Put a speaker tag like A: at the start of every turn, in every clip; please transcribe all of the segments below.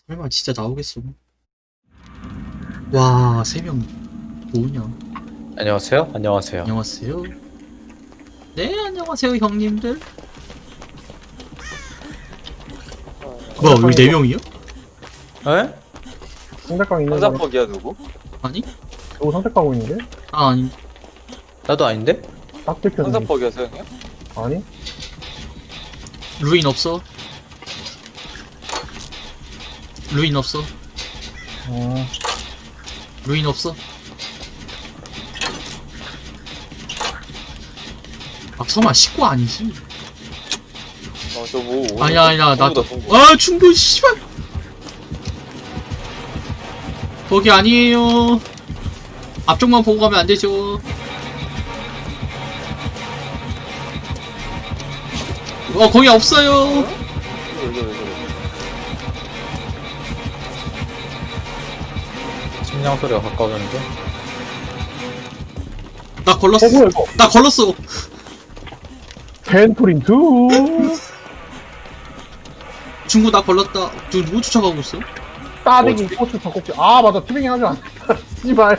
A: 설마 진짜 나오겠어. 와, 3명 뭐냐.
B: 안녕하세요. 안녕하세요.
A: 안녕하세요. 네, 안녕하세요, 형님들. 뭐야, 우리 4명이요?
B: 에?
C: 선택강 있는 사람
D: 상자퍽이야 누구?
A: 아니?
C: 누구 선택하고 있는데?
A: 아, 아니.
B: 나도 아닌데?
C: 딱 들켰는데
D: 상자퍽이야 서영이야?
C: 아니?
A: 루인 없어. 루인 없어.
C: 어...
A: 루인 없어. 아, 설마 식구 아니지?
D: 저뭐
A: 아니야, 나.
D: 동구다.
A: 아, 충분, 씨발! 거기 아니에요. 앞쪽만 보고 가면 안 되죠. 거기 없어요.
D: 이거
B: 심장 소리가 가까워졌는데?
A: 나 걸렀어.
C: 뭐야 이거?
A: 나 걸렀어.
C: 펜토린 2
A: 중구 나 걸렀다. 누구 쫓아가고 있어?
C: 싸대기 고추 닭꼭지 아 맞아 티빙이 하지 않았다 씨발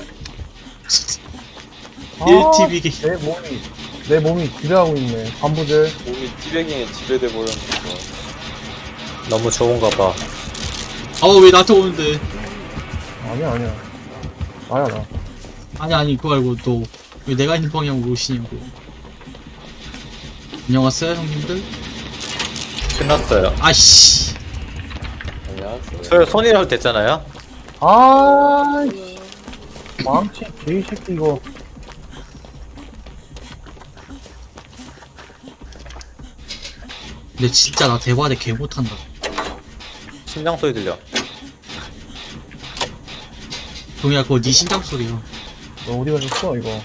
C: 아,
A: 1TV게.
C: 내 몸이 지배하고 있네 반부들
D: 몸이 티베깅에 지배돼 버렸는데.
B: 너무 좋은가 봐.
A: 왜 나한테 오는데?
C: 아니야 나야 나
A: 아니, 그거 알고 너 왜 내가 있는 방향으로 오시냐고. 안녕하세요, 형님들.
B: 끝났어요.
A: 아이씨.
D: 안녕하세요.
B: 손이라도 됐잖아요?
C: 아이씨 망치 개새끼 이거
A: 근데 진짜 나 대바대 개 못한다.
B: 심장 소리 들려.
A: 동이야, 그거 네 심장 소리야.
C: 너 어디 가셨어 이거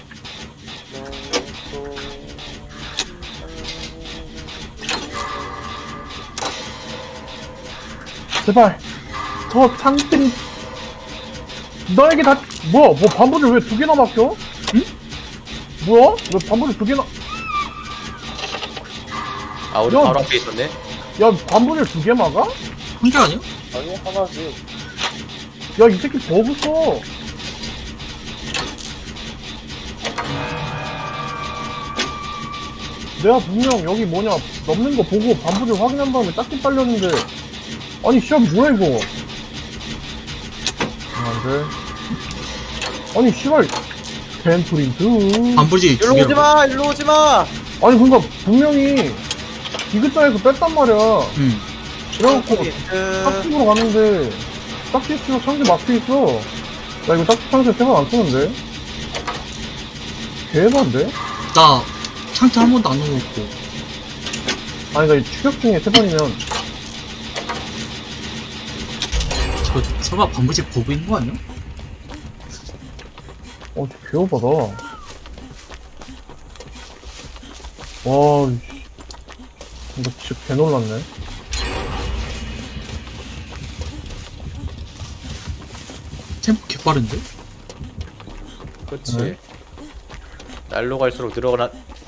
C: 제발 저 창들이 너에게 다 뭐야 뭐 반부들 왜 2개나 막혀? 응? 뭐야? 왜 반부들 2개나
B: 아, 우리
C: 야.
B: 바로 앞에 있었네?
C: 야 반부들 2개 막아?
A: 한 개 아니야?
D: 아니 하나지.
C: 야 이 새끼 버그 써 내가 분명 여기 뭐냐 넘는 거 보고 반부들 확인한 다음에 딱지 빨렸는데 아니 씨발 뭐야 이거 안돼 아니 씨발 벤프린트
A: 반불지 두
B: 일로
A: 개라고.
B: 오지 마! 일로 오지 마!
C: 아니 그니까 분명히 디귿자에서 뺐단 말이야
A: 응.
C: 그래갖고
B: 그...
C: 딱지로 갔는데 딱지 치고 창세 막혀있어 나 이거 딱지 창세 3번 안 쓰는데 개반데?
A: 나 창태 한 번도 안 넣어놓고.
C: 아니 나 이 추격 중에 3번이면
A: 저 설마 반불지 보고 있는 거 아니야?
C: 저 개오바다 와 이씨 이거 진짜 개놀랐네
A: 템포 개빠른데?
B: 그치.
C: 네.
B: 날로 갈수록 늘어나...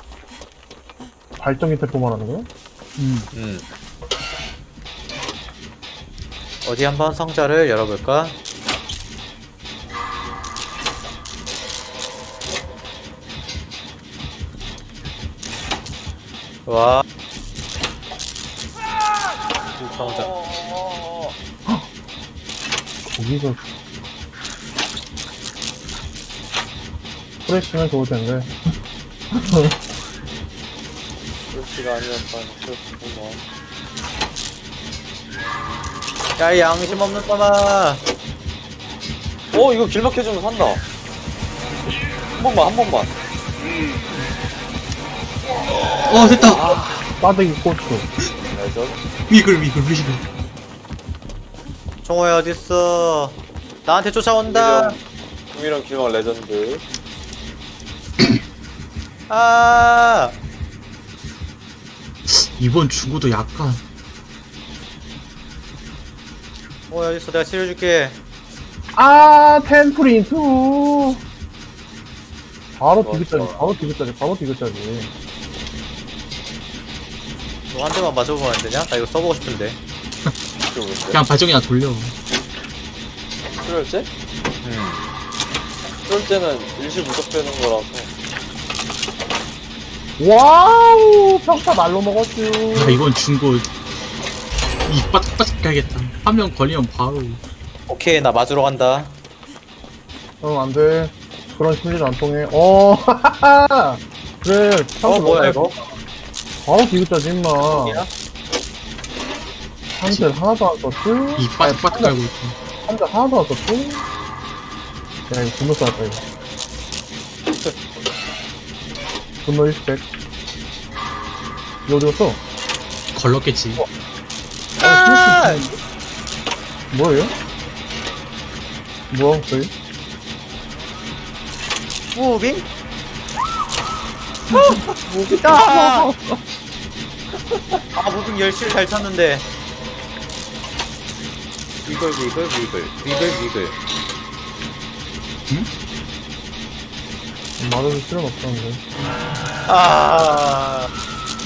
C: 발전기 태포 말하는 거야?
A: 응.
B: 어디 한번 상자를 열어볼까? 와. 상자.
C: 거기서 프레시면 좋을 텐데
D: 그렇지가 아니었다니 그렇구만.
B: 야, 이 양심 없는 놈아!
D: 이거 길 막혀주면 산다. 한 번만.
A: 됐다.
C: 빠데기 고추
D: 레전.
A: 위글.
B: 종호야 어딨어? 나한테 쫓아온다!
D: 동이랑 길막 레전드.
B: 아!
A: 이번 중구도 약간.
B: 종호야 어딨어? 내가 치료해줄게.
C: 아 템프린트 바로
D: 좋아,
C: 디귿자지
D: 좋아.
C: 바로 디귿자지
B: 너 한 대만 맞아보면 안 되냐? 나 이거 써보고 싶은데.
D: 모르겠는데.
A: 그냥 발전기나 돌려.
D: 출혈제? 출혈제는 일시 무적되는 거라서.
C: 와우 평타 날로 먹었쥬.
A: 야, 이건 중고 입 바짝바짝 가야겠다. 한 명 걸리면 바로.
B: 오케이, 나 맞으러 간다.
C: 응 안돼. 그런 심리도 안 통해. 어 하하하. 그래.
B: 뭐야, 이거?
C: 바로 비웃자지 임마.
B: 여기야?
C: 한대 하나도 안 썼쥬.
A: 입 바짝바짝 깔고 있고.
C: 한대 하나도 안 썼쥬. 야 이거 분노 쌓았다 이거. 분노 1스택. 이거 어디 갔어?
A: 걸렀겠지.
B: 아!
C: 뭐예요? 뭐야 저희?
B: 무빙? 무빙이다! 아, 무빙 열심히 잘 쳤는데. 위글, 위글, 위글. 위글, 위글.
C: 맞아줄 필요는 없었는데.
B: 아,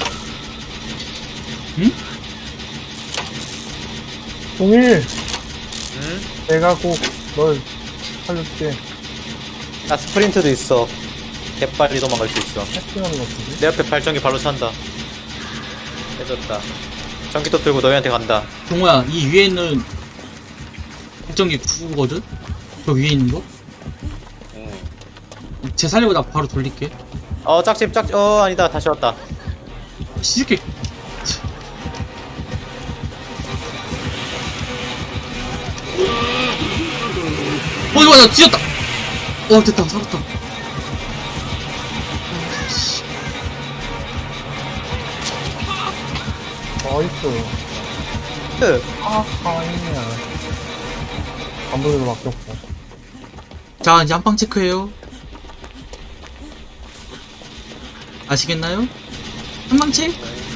C: 동일
B: 응?
C: 내가 꼭 널 살려줄게.
B: 나 스프린트도 있어. 개빨리 도망갈 수 있어.
C: 해킹하는 것 같은데?
B: 내 옆에 발전기 발로 찬다. 해줬다. 전기톱 들고 너희한테 간다.
A: 동호야, 이 위에 있는 발전기 9거든? 저 위에 있는 거? 쟤 살리고 나 바로 돌릴게.
B: 짝집, 아니다. 다시 왔다.
A: 시집게. 이거 나 뒤졌다. 됐다, 살았다.
C: 나이스. 아하이야. 감독에도 맡겼고.
A: 자, 이제 한방 체크해요. 아시겠나요? 한방 체크?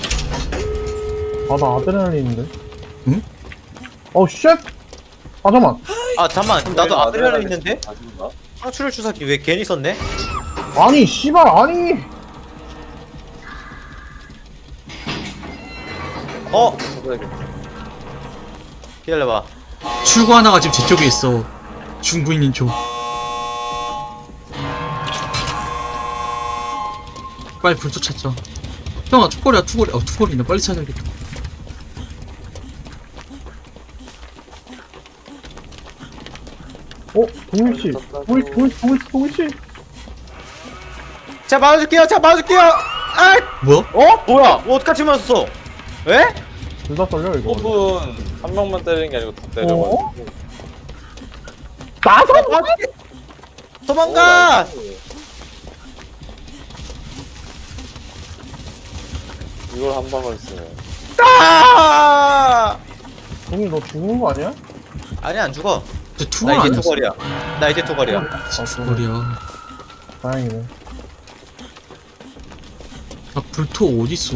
C: 아, 나 아드레날린인데?
A: 응?
C: 쉣! 아, 잠깐만.
B: 아, 잠만. 그럼 나도 아드레날린 있는데?
D: 아닌가?
B: 상추를 주사기 왜 괜히 썼네?
C: 아니, 씨발, 아니!
D: 찾아야겠다.
B: 기다려봐.
A: 출구 하나가 지금 제 쪽에 있어. 중구인인 쪽. 빨리 불 쫓았죠. 형아, 투골이야, 투골이. 투골이네. 빨리 찾아야겠다.
C: 동일씨. 동일씨.
B: 자, 맞아줄게요. 아!
A: 뭐야?
B: 뭐야? 어떡하지 맞았어? 왜?
C: 둘 다 썰려, 이거.
D: 호분 한 명만 때리는 게 아니고 다 때려가지고.
C: 나서!
B: 도망가!
D: 이걸 한 방을 쓰네.
B: 아!
C: 동일, 너 죽는 거 아니야?
B: 아니, 안 죽어.
A: 저 투골
B: 나
A: 안
B: 이제
A: 했어.
B: 투걸이야. 나 이제 투걸이야.
A: 투골이야.
C: 다행이네.
A: 아, 불토 어딨어?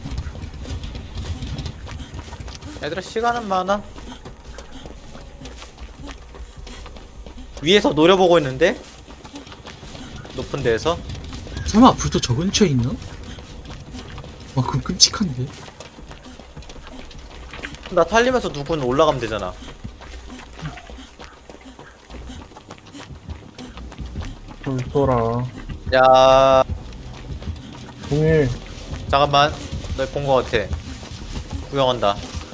B: 얘들아, 시간은 많아. 위에서 노려보고 있는데? 높은 데에서?
A: 설마 불토 저 근처에 있나? 와, 그럼 끔찍한데?
B: 나 탈리면서 누군 올라가면 되잖아.
C: 불쏘라.
B: 야,
C: 동일,
B: 잠깐만. 너 본 거 같아. 구경한다.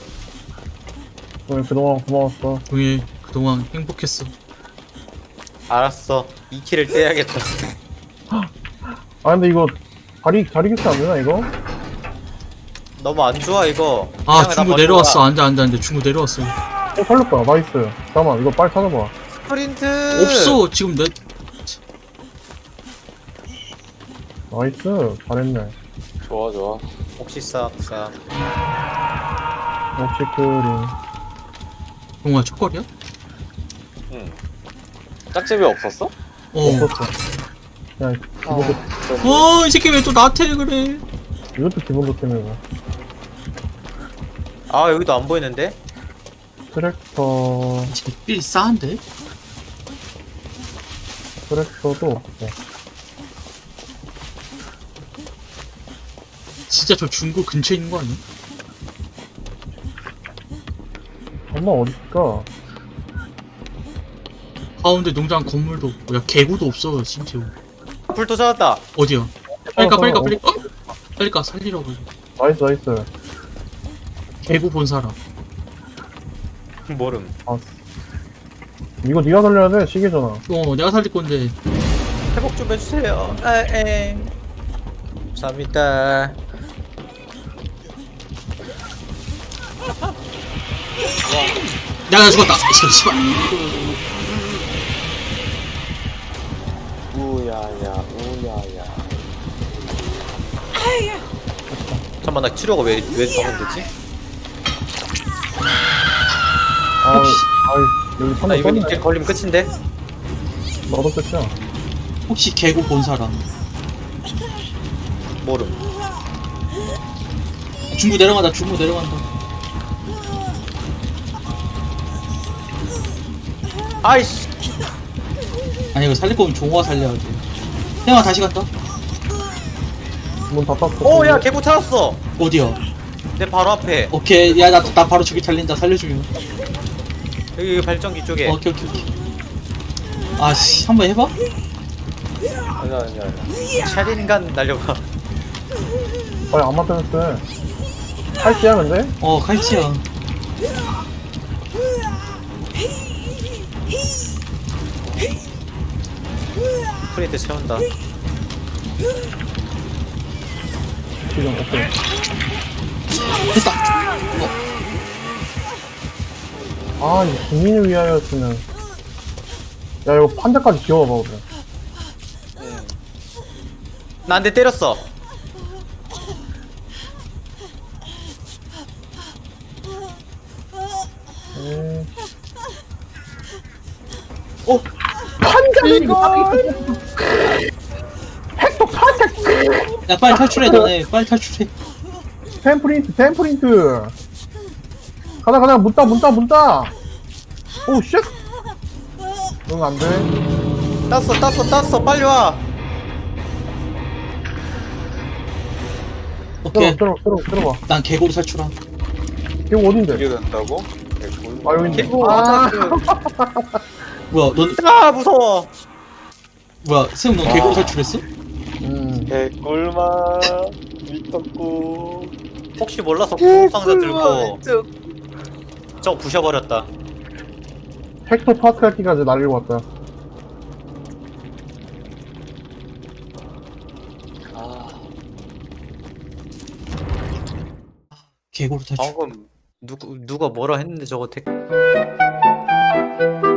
C: 동일 그동안 고마웠어.
A: 동일, 그동안 행복했어.
B: 알았어. 2킬을 떼야겠다.
C: 아, 근데 이거, 다리 교체 안 되나, 이거?
B: 너무 안 좋아, 이거.
A: 아,
B: 그냥 나
A: 중구
B: 버리고
A: 내려왔어.
B: 가.
A: 안 돼. 중구 내려왔어.
C: 살렸다. 나이스. 잠깐만, 이거 빨리 찾아봐.
B: 스프린트!
A: 없어. 지금 내,
C: 나이스. 잘했네.
D: 좋아.
B: 혹시 싹싹.
C: 역시 크림.
A: 동호야, 첫걸이야?
D: 응. 짝집이 없었어?
C: 없었어. 그냥, 기본도,
A: 이 새끼 왜 또 나한테 그래?
C: 이것도 기본도 때문에.
B: 아, 여기도 안 보이는데?
C: 트랙터,
A: 이 새끼 삘 싸한데?
C: 트랙터도 없어.
A: 진짜 저 중구 근처에 있는 거 아니야?
C: 설마 어딨을까?
A: 가운데 농장 건물도 없고, 야, 개구도 없어, 심지어.
B: 불도 찾았다.
A: 어디야? 빨리 가, 빨리 가, 빨리 가. 빨리 가, 살리라고.
C: 나이스, 나이스.
A: 개구 본 사람.
B: 모름.
C: 아, 이거 네가 살려야 돼, 시계잖아.
A: 내가 살릴 건데.
B: 회복 좀 해주세요. 감사합니다.
A: 나 죽었다. 씨발.
D: 우야야, 우야야.
B: 잠깐만, 나 치료가 왜 방금 되지?
C: 아이,
A: 혹시-
C: 아이, 여기
B: 나
C: 판다
B: 이거
C: 떴네.
B: 이제 걸리면 끝인데?
C: 나도 끝이야.
A: 혹시 개구 본 사람?
B: 모름.
A: 중부 내려간다, 중부 내려간다.
B: 아이씨.
A: 아니, 이거 살릴 거면 종호가 살려야 돼. 태영아, 다시 간다.
C: 문 다 땄어.
B: 오, 야, 개구 찾았어.
A: 어디야?
B: 내 바로 앞에.
A: 오케이. 야, 나 바로 저기 달린다. 살려주면.
B: 여기 발전기 쪽에.
A: 오케이, 오케이, 오케이. 아씨, 한번 해봐?
D: 아니야, 아니야, 아니야.
B: 샤린간 날려봐.
C: 빨리 안 맞춰줬어. 할지야, 근데?
A: 칼치야.
B: 프린트 채운다.
C: 지금, 오케이.
A: 됐다.
C: 아, 이거 국민을 위하여였으면. 야, 이거 판자까지 지워봐, 그래.
B: 나 한 대 때렸어.
C: 판자를 헥토 판자!
A: 야, 빨리 탈출해, 너네. 빨리 탈출해.
C: 템프린트! 가자, 가자, 문따! 오, 쉣! 응, 안 돼.
B: 땄어. 빨리 와.
A: 오케이.
C: 들어봐.
A: 난 개구로 탈출함.
C: 이거 어딘데?
D: 이게 된다고? 개꿀.
C: 아, 여기 있네.
B: 개구
C: 아,
B: 아자크.
A: 뭐야, 넌,
B: 아, 무서워.
A: 뭐야, 세웅 넌 개구로 탈출했어?
D: 개꿀맛. 미떡국.
B: 혹시 몰라서 구급상자 들고 저거 부셔버렸다.
C: 헥토 파스칼키까지 날리고 왔다.
D: 아,
A: 개구로 탈출.
B: 방금 누가 뭐라 했는데 저거